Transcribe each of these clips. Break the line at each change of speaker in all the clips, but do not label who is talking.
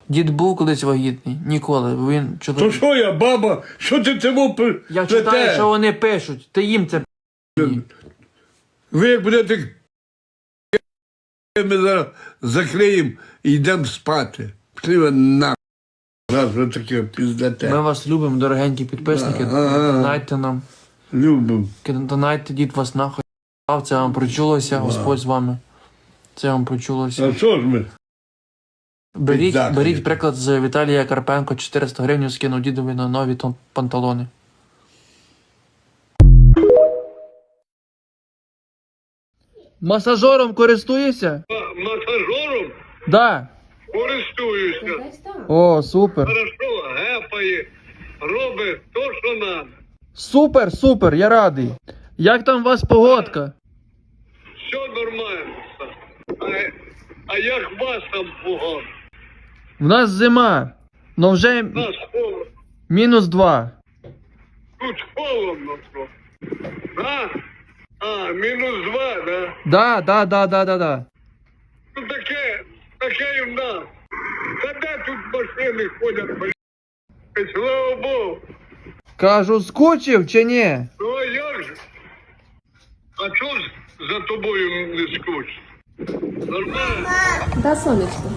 Дід був колись вагітний? Ніколи. Він
То що я, баба? Що ти цьому
Я читаю, що вони пишуть. Ти їм це
Ви як будете, ми зараз закриємо і йдемо спати. Пішли ви нахуй. Раз ви таке піздате.
Ми вас любимо, дорогенькі підписники. Донайте нам.
Любимо.
Донайте, дід вас нахуй. Це вам прочулося, Господь з вами. Це вам прочулося.
А що ж ми?
Беріть приклад з Віталія Карпенко. 400 гривень скинув дідові на нові панталони. Масажером користуєшся?
Масажером
Да.
користуюся.
О, супер.
Хорошо, гепає, робить то, що треба.
Супер, супер, я радий. Як там у вас погодка?
Все нормально. А як вас там погано?
В нас зима, но вже
Нас холодно.
-2.
Тут холодно трохи. Да? А, -2, да?
Да.
Ну таке і в нас. Та де тут машини ходять, блядь? Слава Богу.
Кажу, скучив чи ні?
Ну а як же? А чого ж за тобою не скучно? Нормально?
Да, сонечко.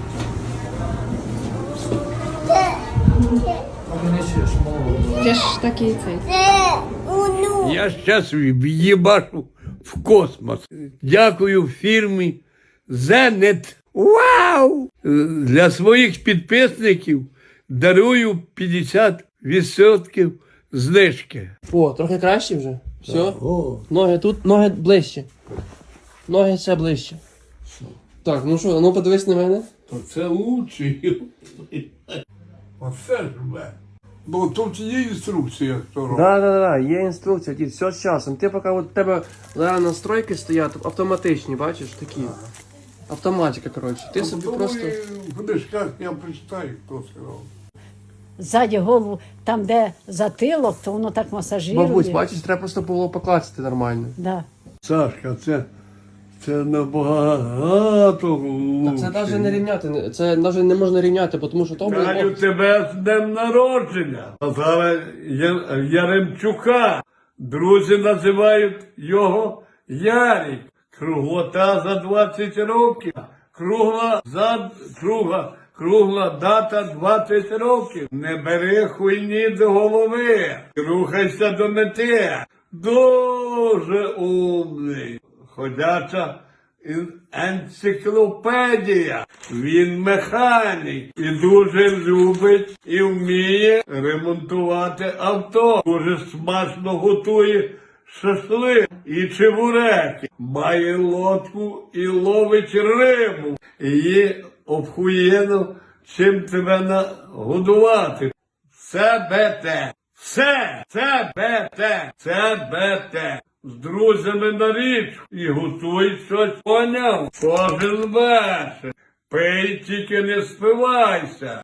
Ти ж такий цей.
Я зараз в'їбашу в космос. Дякую фірмі Зенет. Вау! Для своїх підписників дарую 50% знижки.
О, трохи краще вже. Все. Ноги тут, ноги ближче. Ноги ще ближче. Так, ну що, ну подивись на мене.
То це лучше. Оце ж мене. Бо тут є інструкція, хто робить.
Да, є інструкція, дід, все з часом. Ти поки от тебе зараз настройки стоять автоматичні, бачиш, такі. Автоматика, коротше. Ти собі просто...
В книжках я прочитаю, хто це робить.
Ззаді голову, там де затилок, то воно так масажирує.
Бабусь, бачиш, треба просто було покласти нормально.
Да.
Сашка, це набагато лучше.
Це навіть не рівняти, це навіть не можна рівняти, тому що то
Вітаю
було...
тебе з днем народження. А зараз Яремчука. Друзі називають його Ярик. Круглота за 20 років. Кругла дата 20 років. Не бери хуйні до голови. Рухайся до мети. Дуже умний. Ходяча енциклопедія. Він механік і дуже любить і вміє ремонтувати авто. Дуже смачно готує шашлик і чебуреки. Має лодку і ловить рибу. Її обхуєно чим тебе нагодувати. Це бете. Це бете. З друзями на річку і готуй щось, поняв? Кожен вечір. Пий, тільки не спивайся.